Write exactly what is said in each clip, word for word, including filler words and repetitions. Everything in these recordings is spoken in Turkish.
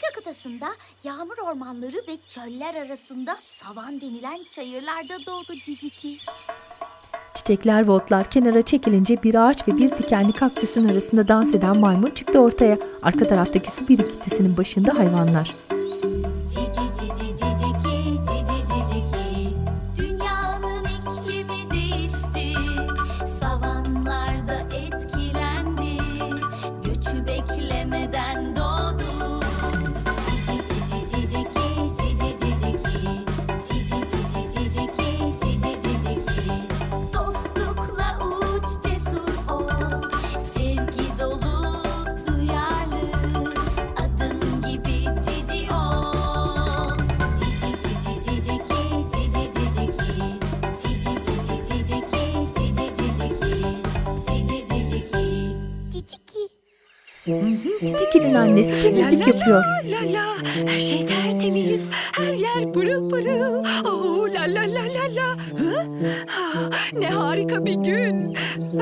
Amerika kıtasında yağmur ormanları ve çöller arasında savan denilen çayırlarda doğdu Ciciki. Çiçekler ve otlar kenara çekilince bir ağaç ve bir dikenli kaktüsün arasında dans eden maymun çıktı ortaya. Arka taraftaki su birikintisinin başında hayvanlar. Cici cici ciciki, cici ciciki, dünyanın iklimi değişti, savanlarda etkilendi, göçü beklemeden doğdu. Cici cici ciciki, cici ciciki, cici cici ciciki, cici ciciki, dostlukla uç cesur ol, sevgi dolu duyarlı, adın gibi cici ol. Cici cici ciciki, cici ciciki, cici cici ciciki, cici ciciki, cici ciciki, ciciki. Ciciki'nin annesi temizlik yapıyor. La la, her şey tertemiz, her yer pırıl pırıl. Oh, la la la la la. Hı? Ah, ne harika bir gün.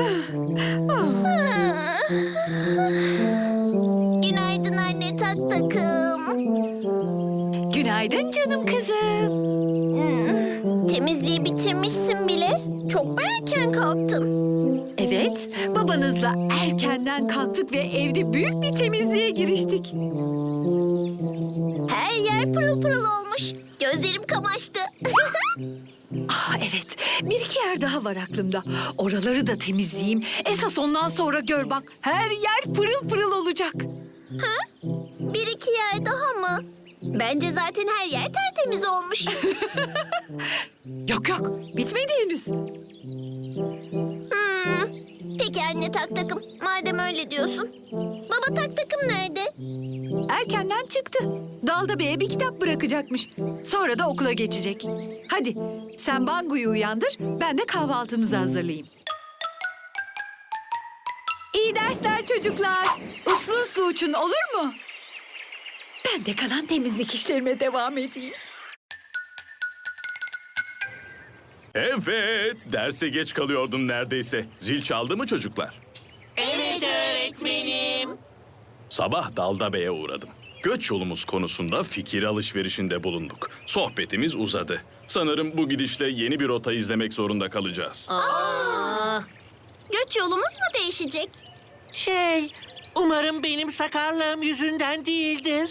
Günaydın anne tak takım. Günaydın canım kızım. Hmm, temizliği bitirmişsin bile. Çok mu erken kalktın? Evet, babanızla erkenden kalktık ve evde büyük bir temizliğe giriştik. Her yer pırıl pırıl olmuş. Gözlerim kamaştı. Ah evet, bir iki yer daha var aklımda. Oraları da temizleyeyim. Esas ondan sonra gör bak, her yer pırıl pırıl olacak. Bir iki yer daha mı? Bence zaten her yer tertemiz olmuş. Yok yok, bitmedi henüz. Hmm, peki anne tak takım. Madem öyle diyorsun. Baba tak takım nerede? Erkenden çıktı. Dalda Bey'e bir kitap bırakacakmış. Sonra da okula geçecek. Hadi sen Bangu'yu uyandır, ben de kahvaltınızı hazırlayayım. İyi dersler çocuklar. Uslu uslu uçun, olur mu? Ben de kalan temizlik işlerime devam edeyim. Evet, derse geç kalıyordum neredeyse. Zil çaldı mı çocuklar? Evet öğretmenim. Sabah Dalda Bey'e uğradım. Göç yolumuz konusunda fikir alışverişinde bulunduk. Sohbetimiz uzadı. Sanırım bu gidişle yeni bir rota izlemek zorunda kalacağız. Aa, göç yolumuz mu değişecek? Şey, umarım benim sakarlığım yüzünden değildir.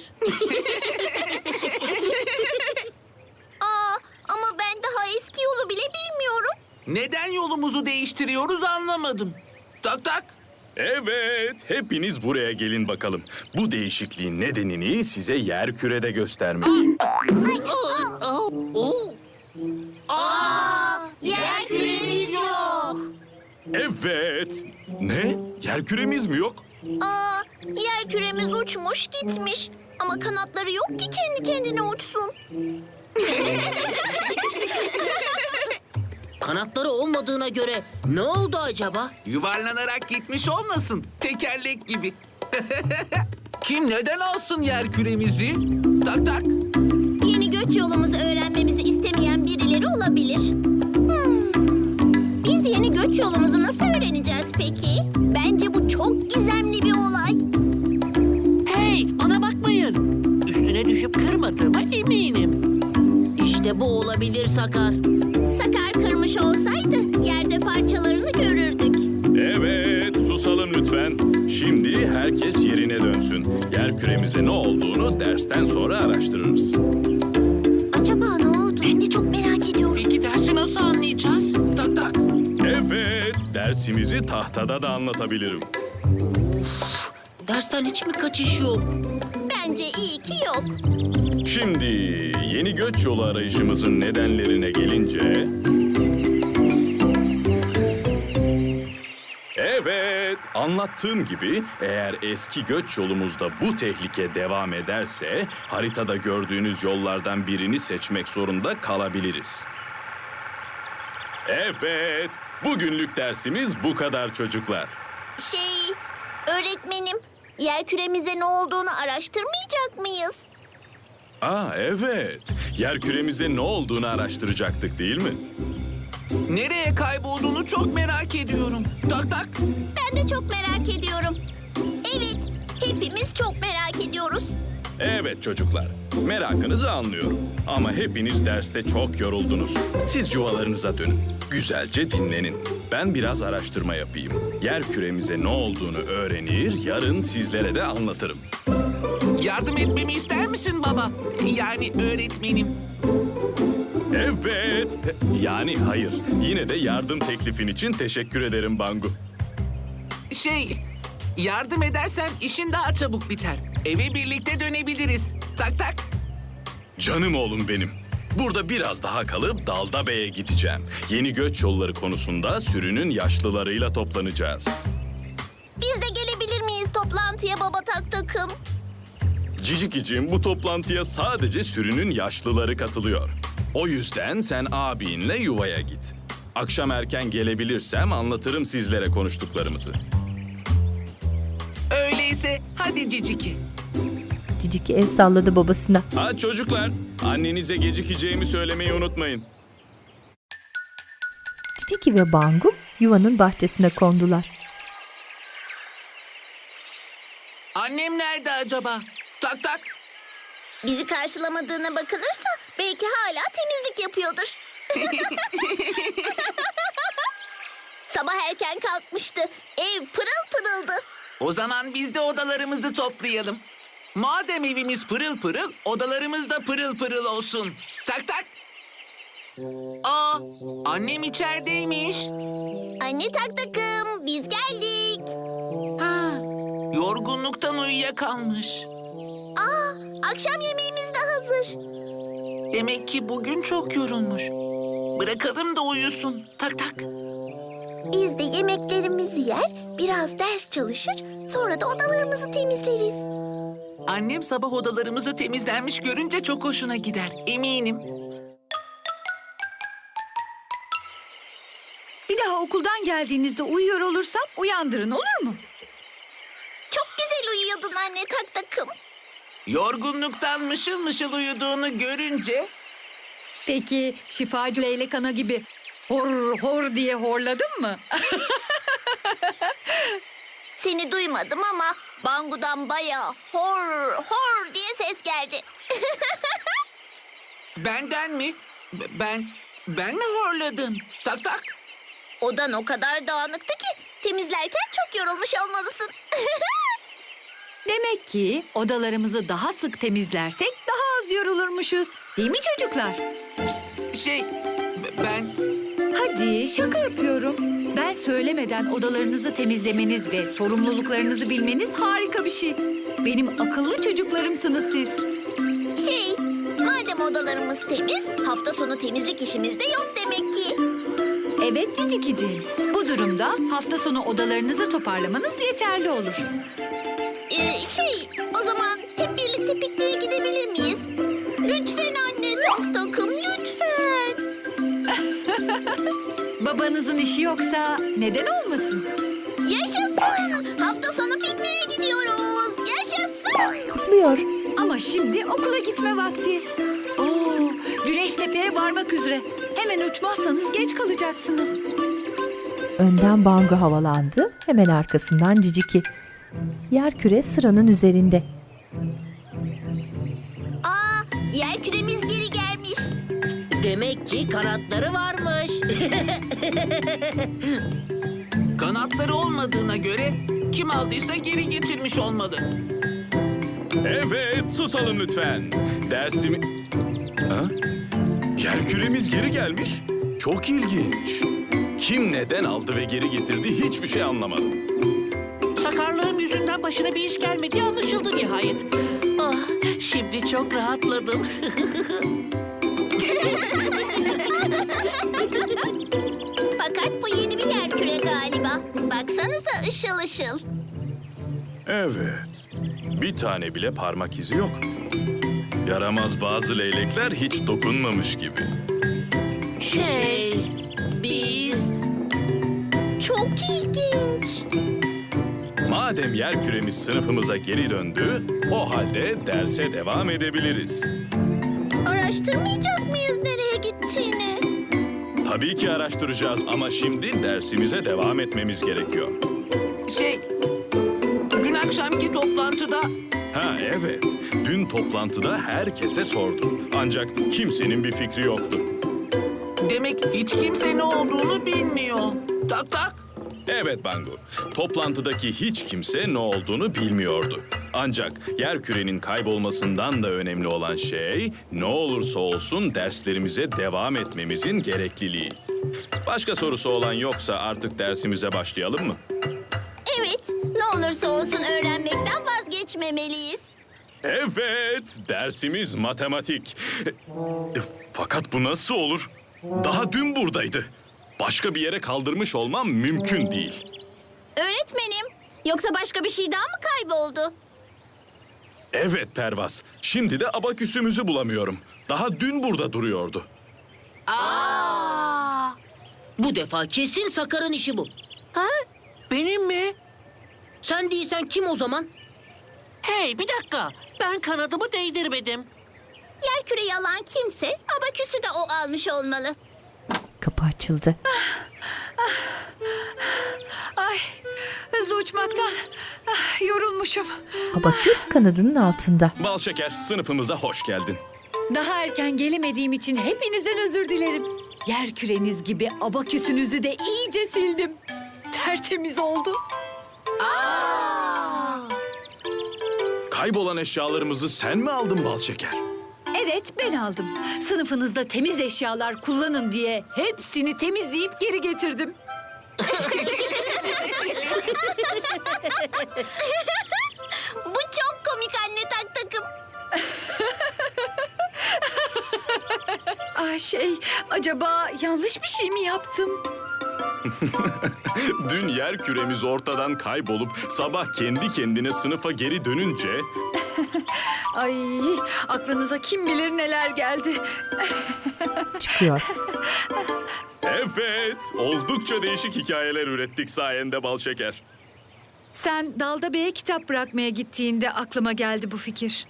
Aa, ama ben daha eski yolu bile bilmiyorum. Neden yolumuzu değiştiriyoruz anlamadım. Tak tak. Evet, hepiniz buraya gelin bakalım. Bu değişikliğin nedenini size yerkürede göstermeliyim. Oh, oh. Aa, yer küremiz yok. Evet. Ne? Yerküremiz mi yok? Aa, yer küremiz uçmuş gitmiş. Ama kanatları yok ki kendi kendine uçsun. Kanatları olmadığına göre ne oldu acaba? Yuvarlanarak gitmiş olmasın. Tekerlek gibi. Kim neden alsın yer küremizi? Tak tak. Yeni göç yolumuzu öğrenmemizi istemeyen birileri olabilir. Hmm, biz yeni göç yolumuzu nasıl öğreneceğiz peki? Bence bu çok gizemli bir olay. Hey, bana bakmayın. Üstüne düşüp kırmadığıma eminim. İşte bu olabilir Sakar. Sakar kırmış olsaydı yerde parçalarını görürdük. Evet, susalım lütfen. Şimdi herkes yerine dönsün. Yerküremize ne olduğunu dersten sonra araştırırız. Acaba ne oldu? Ben de çok merak ediyorum. Peki dersi nasıl anlayacağız? Tak tak. Evet, dersimizi tahtada da anlatabilirim. Dersten hiç mi kaçış yok? Bence iyi ki yok. Şimdi yeni göç yolu arayışımızın nedenlerine gelince... Evet, anlattığım gibi eğer eski göç yolumuzda bu tehlike devam ederse... haritada gördüğünüz yollardan birini seçmek zorunda kalabiliriz. Evet, bugünlük dersimiz bu kadar çocuklar. Şey, öğretmenim, yer küremize ne olduğunu araştırmayacak mıyız? Aa evet, yerküremize ne olduğunu araştıracaktık değil mi? Nereye kaybolduğunu çok merak ediyorum. Tak tak. Ben de çok merak ediyorum. Evet, hepimiz çok merak ediyoruz. Evet çocuklar, merakınızı anlıyorum. Ama hepiniz derste çok yoruldunuz. Siz yuvalarınıza dönün. Güzelce dinlenin. Ben biraz araştırma yapayım. Yer küremize ne olduğunu öğrenir, yarın sizlere de anlatırım. Yardım etmemi ister misin baba? Yani öğretmenim. Evet. Yani hayır. Yine de yardım teklifin için teşekkür ederim Bangu. Şey, yardım edersen işin daha çabuk biter. Eve birlikte dönebiliriz. Tak tak. Canım oğlum benim. Burada biraz daha kalıp Dalda Bey'e gideceğim. Yeni göç yolları konusunda sürünün yaşlılarıyla toplanacağız. Biz de gelebilir miyiz toplantıya baba tak takım? Cicikiciğim, bu toplantıya sadece sürünün yaşlıları katılıyor. O yüzden sen abinle yuvaya git. Akşam erken gelebilirsem anlatırım sizlere konuştuklarımızı. Öyleyse hadi Ciciki. Ciciki el salladı babasına. Ha çocuklar, annenize gecikeceğimi söylemeyi unutmayın. Ciciki ve Bangu yuvanın bahçesine kondular. Annem nerede acaba? Tak tak. Bizi karşılamadığına bakılırsa belki hala temizlik yapıyordur. Sabah erken kalkmıştı. Ev pırıl pırıldı. O zaman biz de odalarımızı toplayalım. Madem evimiz pırıl pırıl, odalarımız da pırıl pırıl olsun. Tak tak. Aa, annem içerideymiş. Anne tak takım biz geldik. Ha, yorgunluktan uyuyakalmış. Aa, akşam yemeğimiz de hazır. Demek ki bugün çok yorulmuş. Bırakalım da uyusun. Tak tak. Biz de yemeklerimizi yer, biraz ders çalışır, sonra da odalarımızı temizleriz. Annem sabah odalarımızı temizlenmiş görünce çok hoşuna gider. Eminim. Bir daha okuldan geldiğinizde uyuyor olursam uyandırın, olur mu? Çok güzel uyuyordun anne tak takım. Yorgunluktan mışıl mışıl uyuduğunu görünce... Peki şifacı leylek ana gibi hor hor diye horladın mı? Seni duymadım ama Bangu'dan bayağı hor hor diye ses geldi. Benden mi? B- Ben, ben mi horladım? Tak tak. Odan o kadar dağınıktı ki temizlerken çok yorulmuş olmalısın. Demek ki odalarımızı daha sık temizlersek daha az yorulurmuşuz. Değil mi çocuklar? Şey, b- ben... Hadi şaka yapıyorum. Ben söylemeden odalarınızı temizlemeniz ve sorumluluklarınızı bilmeniz harika bir şey. Benim akıllı çocuklarımsınız siz. Şey, madem odalarımız temiz, hafta sonu temizlik işimiz de yok demek ki. Evet Cicikiciğim. Bu durumda hafta sonu odalarınızı toparlamanız yeterli olur. Ee, şey, o zaman hep birlikte pikniğe gidebilir miyiz? Lütfen anne tak takım lütfen. Babanızın işi yoksa neden olmasın? Yaşasın! Hafta sonu pikniğe gidiyoruz. Yaşasın! Zıplıyor. Ama şimdi okula gitme vakti. Oo, güneş tepeye varmak üzere. Hemen uçmazsanız geç kalacaksınız. Önden Bangu havalandı, hemen arkasından Ciciki. Yerküre sıranın üzerinde. Aa, yer küremiz geri gelmiş. Demek ki kanatları varmış. Kanatları olmadığına göre kim aldıysa geri getirmiş olmalı. Evet, susalım lütfen. Dersimi... Ha? Yer küremiz geri gelmiş. Çok ilginç. Kim neden aldı ve geri getirdi hiçbir şey anlamadım. Sakarlığım yüzünden başına bir iş gelmediği anlaşıldı nihayet. Ah, şimdi çok rahatladım. Fakat bu yeni bir yer küre galiba. Baksanıza ışıl ışıl. Evet, bir tane bile parmak izi yok. Yaramaz bazı leylekler hiç dokunmamış gibi. Şey, biz... Çok ilginç. Madem yer küremiz sınıfımıza geri döndü, o halde derse devam edebiliriz. Araştırmayacak mıyız nereye gittiğini? Tabii ki araştıracağız ama şimdi dersimize devam etmemiz gerekiyor. Şey, dün akşamki toplantıda Ha evet, dün toplantıda herkese sordum. Ancak kimsenin bir fikri yoktu. Demek hiç kimse ne olduğunu bilmiyor. Tak tak. Evet Bangu, toplantıdaki hiç kimse ne olduğunu bilmiyordu. Ancak yerkürenin kaybolmasından da önemli olan şey, ne olursa olsun derslerimize devam etmemizin gerekliliği. Başka sorusu olan yoksa artık dersimize başlayalım mı? Evet, ne olursa olsun öğrenmekten vazgeçmemeliyiz. Evet, dersimiz matematik. E, Fakat bu nasıl olur? Daha dün buradaydı. Başka bir yere kaldırmış olmam mümkün değil. Öğretmenim, yoksa başka bir şey daha mı kayboldu? Evet Pervaz, şimdi de abaküsümüzü bulamıyorum. Daha dün burada duruyordu. Bu defa kesin Sakar'ın işi bu. Ha? Benim mi? Sen değilsen kim o zaman? Hey bir dakika. Ben kanadımı değdirmedim. Yerküreyi alan kimse abaküsü de o almış olmalı. Kapı açıldı. Ay, hızlı uçmaktan ah, yorulmuşum. Abaküs kanadının altında. Bal şeker, sınıfımıza hoş geldin. Daha erken gelemediğim için hepinizden özür dilerim. Yer küreniz gibi abaküsünüzü de iyice sildim. Tertemiz oldu. Kaybolan eşyalarımızı sen mi aldın Bal şeker? Evet, ben aldım. Sınıfınızda temiz eşyalar kullanın diye hepsini temizleyip geri getirdim. Bu çok komik anne tak takım. Ah şey, acaba yanlış bir şey mi yaptım? Dün yer küremiz ortadan kaybolup sabah kendi kendine sınıfa geri dönünce... Ay, aklınıza kim bilir neler geldi. Çıkıyor. Evet, oldukça değişik hikayeler ürettik sayende Bal şeker. Sen Dalda Bey'e kitap bırakmaya gittiğinde aklıma geldi bu fikir.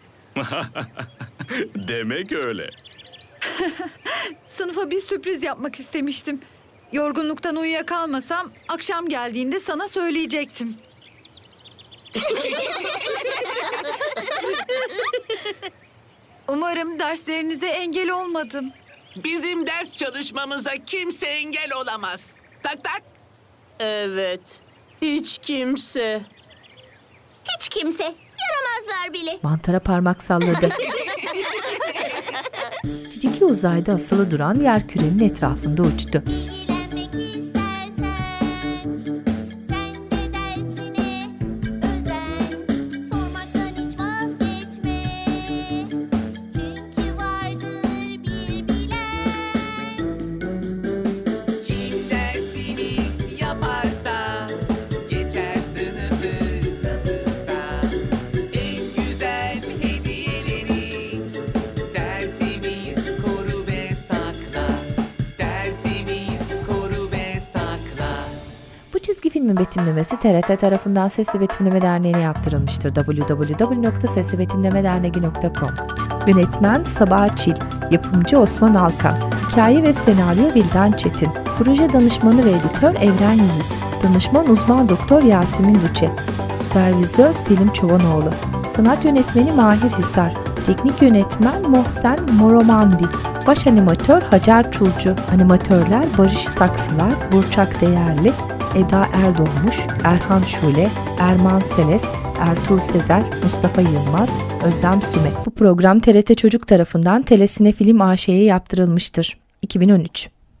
Demek öyle. Sınıfa bir sürpriz yapmak istemiştim. Yorgunluktan uyuyakalmasam akşam geldiğinde sana söyleyecektim. Umarım derslerinize engel olmadım. Bizim ders çalışmamıza kimse engel olamaz. Tak tak. Evet. Hiç kimse. Hiç kimse, yaramazlar bile. Mantara parmak salladı. Ciciki uzayda asılı duran yerkürenin etrafında uçtu. İlgilenmek istersen, sen de dersine özen. Sormaktan hiç vazgeçme, çünkü vardır bir bilen. Kim dersini yaparsa geçer sınıfı nasılsa en güzel hediyeleri tertemiz koru ve sakla, tertemiz koru ve sakla. Bu çizgi filmin betimlemesi T R T tarafından Sesli Betimleme Derneği'ne yaptırılmıştır. double-u double-u double-u nokta sesli betimleme derneği nokta com. Yönetmen Sabah Çil, yapımcı Osman Alkan, hikaye ve senaryo Vildan Çetin, proje danışmanı ve editör Evren Yiğit, danışman uzman doktor Yasemin Lüçe, süpervizör Selim Çovanoğlu, sanat yönetmeni Mahir Hisar, teknik yönetmen Mohsen Moromandi, baş animatör Hacer Çulcu, animatörler Barış Saksılar, Burçak Değerli, Eda Erdoğmuş, Erhan Şule, Erman Seles, Ertuğ Sezer, Mustafa Yılmaz, Özlem Süme. Bu program T R T Çocuk tarafından Telesine Film A Ş'ye yaptırılmıştır. iki bin on üç